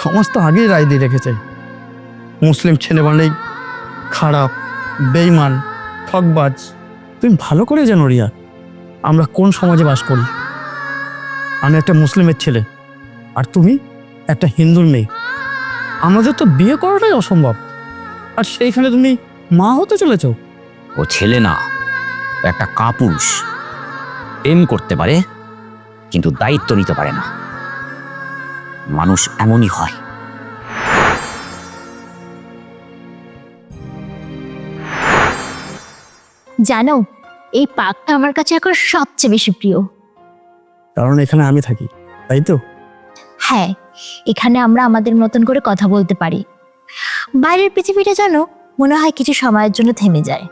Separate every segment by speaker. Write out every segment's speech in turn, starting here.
Speaker 1: সমাজ তো আগেই রায় দিয়ে রেখেছে, মুসলিম ছেলে মানেই খারাপ, বেঈমান, ঠকবাজ। তুমি ভালো করে জানো রিয়া, আমরা কোন সমাজে বাস করি। আমি একটা মুসলিমের ছেলে, আর তুমি একটা হিন্দুর মেয়ে। আমাদের তো বিয়ে করাটাই অসম্ভব, আর সেইখানে তুমি মা হতে চলেছ।
Speaker 2: ও ছেলে না, ও একটা কাপুরুষ। প্রেম করতে পারে কিন্তু দায়িত্ব নিতে পারে না। মানুষ এমনই হয়।
Speaker 3: জানো, এই পার্কটা আমার কাছে এখন সবচেয়ে বেশি প্রিয়।
Speaker 1: কারণ এখানে আমি থাকি, তাই তো?
Speaker 3: হ্যাঁ, এখানে আমরা আমাদের মতন করে কথা বলতে পারি। বাইরের পৃথিবীটা জানো মনে হয় কিছু সময়ের জন্য থেমে যায়।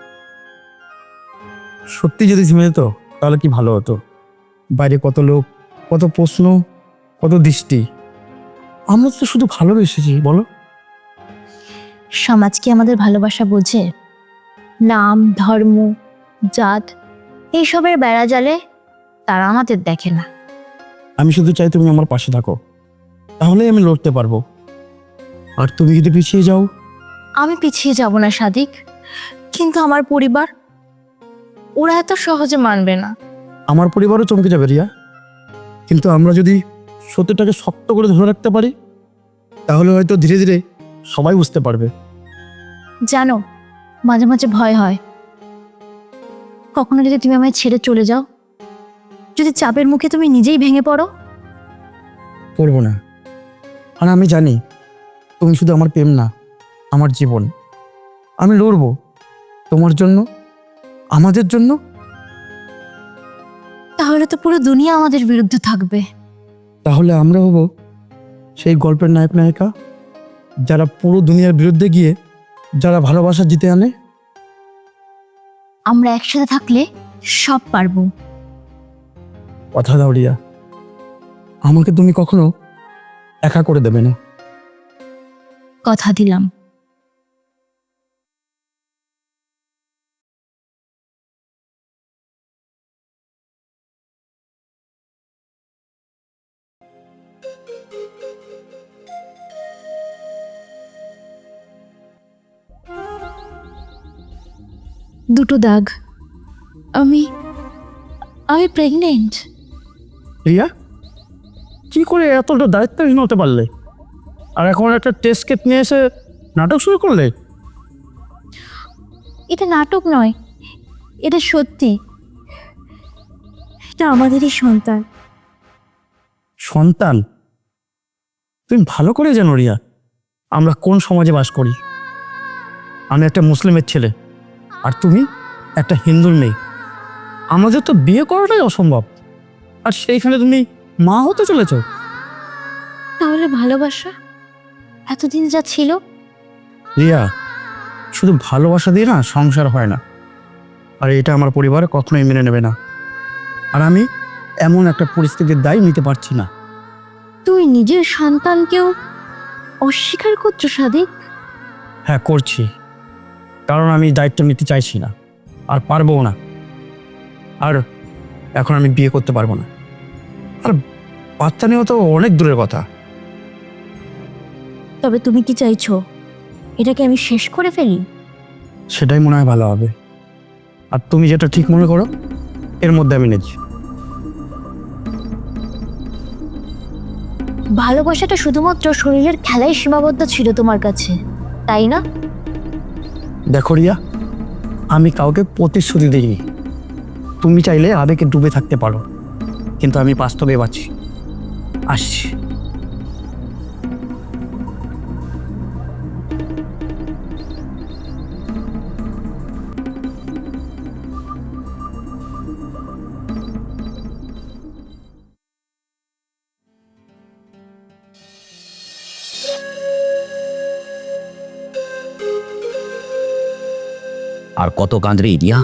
Speaker 1: সত্যি যদি থেমে যেত তাহলে কি ভালো হতো। বাইরে কত লোক, কত প্রশ্ন, কত দৃষ্টি। আমরা তো শুধু ভালোবেসেছি, বলো।
Speaker 3: সমাজ কি আমাদের ভালোবাসা বোঝে? নাম, ধর্ম, জাত এইসবের বেড়া জালে তারা আমাদের দেখে না।
Speaker 1: আমি শুধু চাই তুমি আমার পাশে থাকো, তাহলেই আমি লড়তে পারবো। আর তুমি যদি পিছিয়ে যাও?
Speaker 3: আমি পিছিয়ে যাব না সাদিক, কিন্তু আমার পরিবার, ওরা এত সহজে মানবে না।
Speaker 1: আমার পরিবারও চমকে যাবে রিয়া। কিন্তু আমরা যদি সত্যটাকে শক্ত করে ধরে রাখতে পারি, তাহলে হয়তো ধীরে ধীরে সবাই বুঝতে পারবে।
Speaker 3: জানো, মাঝে মাঝে ভয় হয়, কখনো যদি তুমি আমায় ছেড়ে চলে যাও, যদি চাপের মুখে তুমি নিজেই ভেঙে পড়ো।
Speaker 1: করবো না। আর আমি জানি তুমি শুধু আমার প্রেম না, আমার জীবন। আমি লড়বো তোমার জন্য, আমাদের জন্য।
Speaker 3: তাহলে তো পুরো দুনিয়া আমাদের বিরুদ্ধে থাকবে।
Speaker 1: তাহলে আমরা হব সেই গল্পের নায়ক নায়িকা, যারা পুরো দুনিয়ার বিরুদ্ধে গিয়ে যারা ভালোবাসা জিতে আনে।
Speaker 3: আমরা একসাথে থাকলে সব পারবো।
Speaker 1: কথা দাও রিয়া, আমাকে তুমি কখনো একা করে দেবে না।
Speaker 3: কথা দিলাম। দুটো দাগ। আমি আমি প্রেগনেন্ট।
Speaker 1: রিয়া, কি করে এতটা দায়িত্বহীন হতে পারলে? আর এখন একটা টেস্ট কেট নিয়ে এসে নাটক শুরু করলে?
Speaker 3: এটা নাটক নয়, এটা সত্যি। এটা আমাদেরই সন্তান।
Speaker 1: সন্তান? তুমি ভালো করে জানো রিয়া, আমরা কোন সমাজে বাস করি। আমি একটা মুসলিমের ছেলে, আর তুমি একটা হিন্দুর মেয়ে। আমাদের তো বিয়ে করাটাই অসম্ভব, আর সেইখানে তুমি মা হতে চলেছ।
Speaker 3: তাহলে ভালোবাসা এতদিন যা ছিল?
Speaker 1: রিয়া, শুধু ভালোবাসা দিয়ে না সংসার হয় না, আর এটা আমার পরিবার কখনোই মেনে নেবে না। আর আমি এমন একটা পরিস্থিতির দায় নিতে পারছি না।
Speaker 3: তুই নিজের সন্তানকেও অস্বীকার করছো সাদিক?
Speaker 1: হ্যাঁ, করছি, কারণ আমি দায়িত্ব নিতে চাইছি না, আর পারবো না। আর এখন আমি বিয়ে করতে পারবো না, আর বাচ্চা নেওয়া তো অনেক দূরের কথা।
Speaker 3: তবে তুমি কি চাইছো এটাকে আমি শেষ করে ফেলি?
Speaker 1: সেটাই মনে হয় ভালো হবে। আর তুমি যেটা ঠিক মনে করো এর মধ্যে আমি নেছি।
Speaker 3: ভালোবাসাটা শুধুমাত্র শরীরের খেলায় সীমাবদ্ধ ছিল তোমার কাছে, তাই না?
Speaker 1: দেখো রিয়া, আমি কাউকে প্রতিশ্রুতি দিইনি। তুমি চাইলে আবেগে ডুবে থাকতে পারো, কিন্তু আমি বাস্তবে বাঁচি। আসছি।
Speaker 2: আর কত কাঁদরে রিয়া?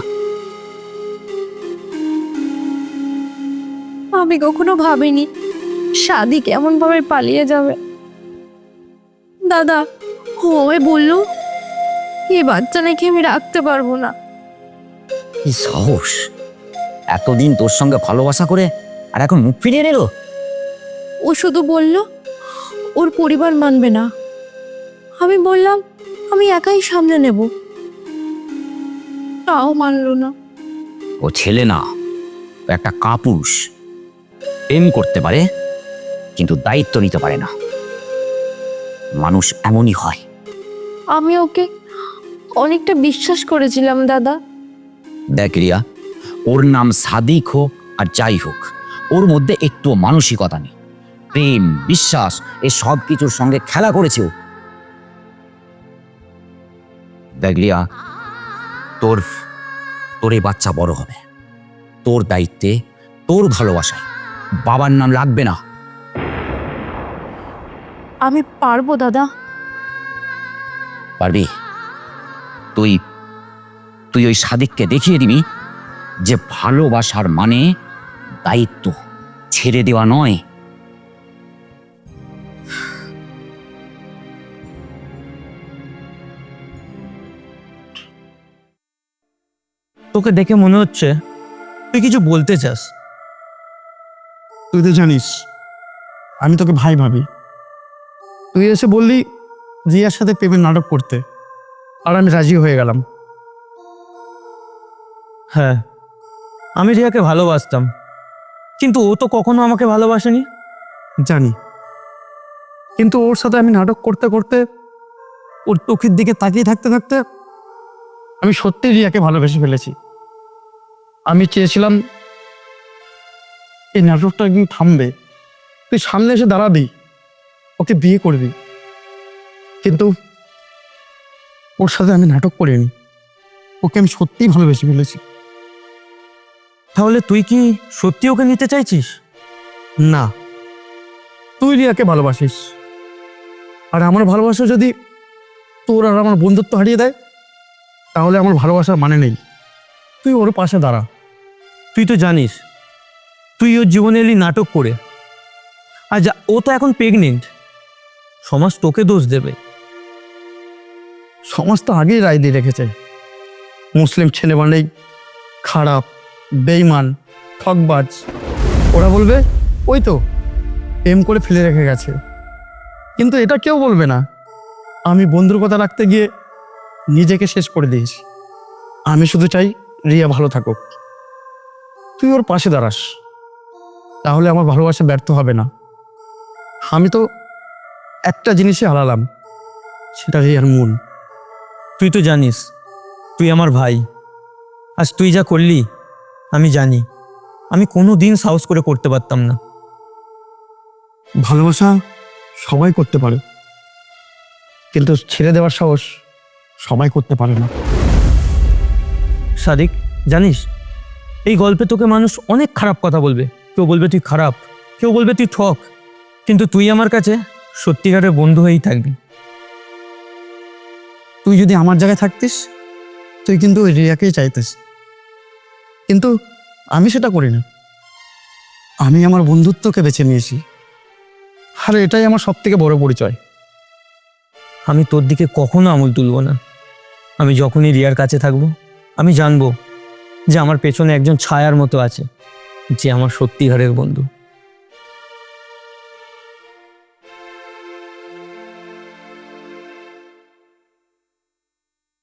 Speaker 3: আমি কখনো ভাবিনি সাদিক এমন ভাবে পালিয়ে যাবে। দাদা ওই বললো এই বাচ্চা নাকি আমি রাখতে পারবো না।
Speaker 2: কি সাহস! এতদিন তোর সঙ্গে ভালোবাসা করে আর এখন মুখ ফিরিয়ে নিল।
Speaker 3: ও শুধু বলল ওর পরিবার মানবে না। আমি বললাম আমি একাই সামলে নেব, তাও মানলো না।
Speaker 2: ও ছেলে না, ও একটা কাপুরুষ। প্রেম করতে পারে কিন্তু দায়িত্ব নিতে পারে না। মানুষ এমনই হয়।
Speaker 3: আমি ওকে অনেকটা বিশ্বাস করেছিলাম দাদা।
Speaker 2: দেখ রিয়া, ওর নাম সাদিক হোক আর যাই হোক, ওর মধ্যে একটু মানসিকতা নেই। প্রেম, বিশ্বাস এ সব কিছুর সঙ্গে খেলা করেছে ও। দেখ রিয়া, তোর তোর এই বাচ্চা বড় হবে, তোর দায়িত্বে, তোর ভালোবাসায় বাবার নাম লাগবে না।
Speaker 3: আমি পারবো দাদা।
Speaker 2: পারবি? তুই তুই ওই সাদিককে দেখিয়ে দিবি যে ভালোবাসার মানে দায়িত্ব ছেড়ে দেওয়া নয়।
Speaker 1: তোকে দেখে মনে হচ্ছে তুই কিছু বলতে চাস। তুই তো জানিস আমি তোকে ভাই ভাবি। তুই এসে বললি রিয়ার সাথে প্রেমের নাটক করতে, আর আমি রাজি হয়ে গেলাম। হ্যাঁ, আমি রিয়াকে ভালোবাসতাম, কিন্তু ও তো কখনো আমাকে ভালোবাসেনি। জানি, কিন্তু ওর সাথে আমি নাটক করতে করতে, ওর চোখের দিকে তাকিয়ে থাকতে থাকতে আমি সত্যি রিয়াকে ভালোবেসে ফেলেছি। আমি চেয়েছিলাম এই নাটকটা একদিন থামবে, তুই সামনে এসে দাঁড়াবি, ওকে বিয়ে করবি। কিন্তু ওর সাথে আমি নাটক করিনি, ওকে আমি সত্যিই ভালোবেসে ফেলেছি। তাহলে তুই কি সত্যি ওকে নিতে চাইছিস? না, তুই রিয়াকে ভালোবাসিস, আর আমার ভালোবাসা যদি তোর আর আমার বন্ধুত্ব হারিয়ে দেয়, তাহলে আমার ভালোবাসার মানে নেই। তুই ওর পাশে দাঁড়া। তুই তো জানিস তুই ওর জীবনে এলি নাটক করে, আর ও তো এখন প্রেগনেন্ট। সমাজ তোকে দোষ দেবে। সমাজ তো আগেই রায় দিয়ে রেখেছে, মুসলিম ছেলে মানেই খারাপ, বেঈমান, ঠকবাজ। ওরা বলবে ওই তো প্রেম করে ফেলে রেখে গেছে। কিন্তু এটা কেউ বলবে না আমি বন্ধুর কথা রাখতে গিয়ে নিজেকে শেষ করে দিয়েছি। আমি শুধু চাই রিয়া ভালো থাকুক, তুই ওর পাশে দাঁড়াস, তাহলে আমার ভালোবাসা ব্যর্থ হবে না। আমি তো একটা জিনিসই হারালাম, সেটা রিয়ার মন। তুই তো জানিস তুই আমার ভাই, আজ তুই যা করলি আমি জানি আমি কোনো দিন সাহস করে করতে পারতাম না। ভালোবাসা সবাই করতে পারে, কিন্তু ছেড়ে দেওয়ার সাহস সবাই করতে পারে না। সাদিক, জানিস এই গল্পে তোকে মানুষ অনেক খারাপ কথা বলবে। কেউ বলবে তুই খারাপ, কেউ বলবে তুই ঠক, কিন্তু তুই আমার কাছে সত্যিকারের বন্ধু হয়েই থাকবি। তুই যদি আমার জায়গায় থাকতিস, তুই কিন্তু ওই রিয়াকেই চাইতিস, কিন্তু আমি সেটা করি না। আমি আমার বন্ধুত্বকে বেছে নিয়েছি, আর এটাই আমার সব থেকে বড় পরিচয়। আমি তোর দিকে কখনো আঙুল তুলব না। আমি যখনই রিয়ার কাছে থাকবো, আমি জানবো যে আমার পেছনে একজন ছায়ার মতো আছে, যে আমার সত্যিকারের বন্ধু।